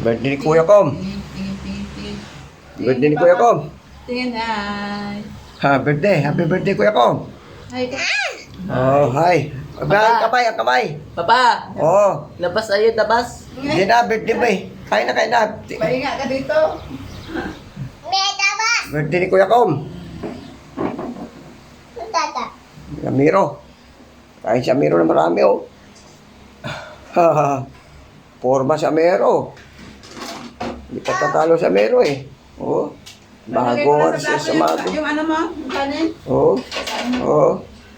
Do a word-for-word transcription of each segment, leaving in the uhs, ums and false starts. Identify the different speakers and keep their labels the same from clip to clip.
Speaker 1: Birthday ni Kuya Kom. Birthday ni Kuya Kom.
Speaker 2: Tingin, ay.
Speaker 1: Ha, birthday. Happy birthday, Kuya Kom.
Speaker 2: Ay, ka.
Speaker 1: Oh, hi. Abay, ang kamay, ang kamay.
Speaker 3: Papa,
Speaker 1: Oh,
Speaker 3: labas tayo, labas.
Speaker 1: hindi na, birthday ba eh. Kain na, kain na.
Speaker 2: Pahinga ka dito.
Speaker 1: Birthday ni Kuya Kom. Amiro. Kain si Amiro na marami, oh. Forma si Amiro. Hindi pa tatalo si Amiro, eh. Oh, bago nga siya sa mago.
Speaker 2: Yung ano mo, yung kanin.
Speaker 1: Oh, oh.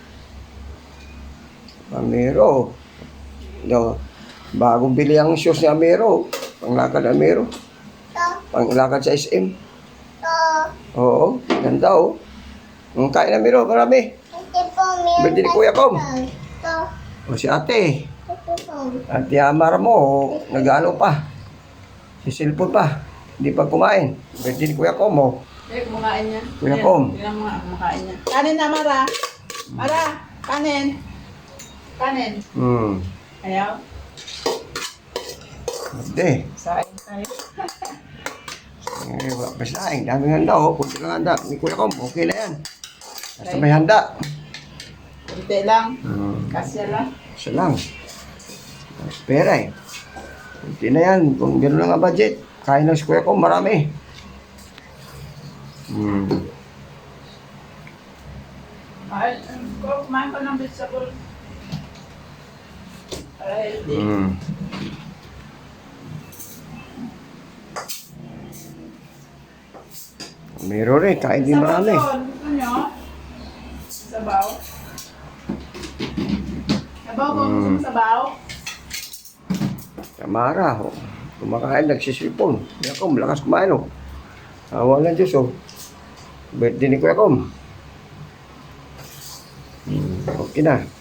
Speaker 1: Amiro. No, bagong bili ang shoes ni Amiro. Panglakad ni Amiro. Panglakad sa S M. Oo, ganda, oh. Ang kain na Amiro, marami. Birthday ni Kuya Kom. O si ate. Ate Amara mo, nag-ano pa. Si cellphone pa. Hindi pa kumain. Birthday ni Kuya Kom, oh.
Speaker 2: Eh, kumakain niya.
Speaker 1: Kuya
Speaker 2: Ayan,
Speaker 1: Kom.
Speaker 2: Tingnan mo nga, kumakain niya. Kanin na, Mara. Mara, kanin. Kanin.
Speaker 1: Hmm.
Speaker 2: Ayaw.
Speaker 1: Birthday.
Speaker 2: Sain tayo.
Speaker 1: Eh, wala pa saing. Daming handa, oh. Kunti lang handa. Ni Kuya Kom, okay na yan. Basta may handa.
Speaker 2: Kunti lang.
Speaker 1: Hmm.
Speaker 2: Kasya lang.
Speaker 1: Isa lang. Mas pera, eh. Kunti na yan. Kung gano'n lang ang budget. Kain ng si Kuya Kom, marami. Hmm.
Speaker 2: Ay, ko, kumain ko ng vegetable. Para healthy.
Speaker 1: Hmm. Meron rin, kain din marami.
Speaker 2: Sabaw, gusto nyo? Sabaw. Sabaw ko, gusto mo sabaw?
Speaker 1: Tamara, oh. Kumakain, nagsisipon. Kuya Kom, lakas kumain, oh. Awa ng Diyos, oh. Birthday ni Kuya Kom. Hmm, okay na.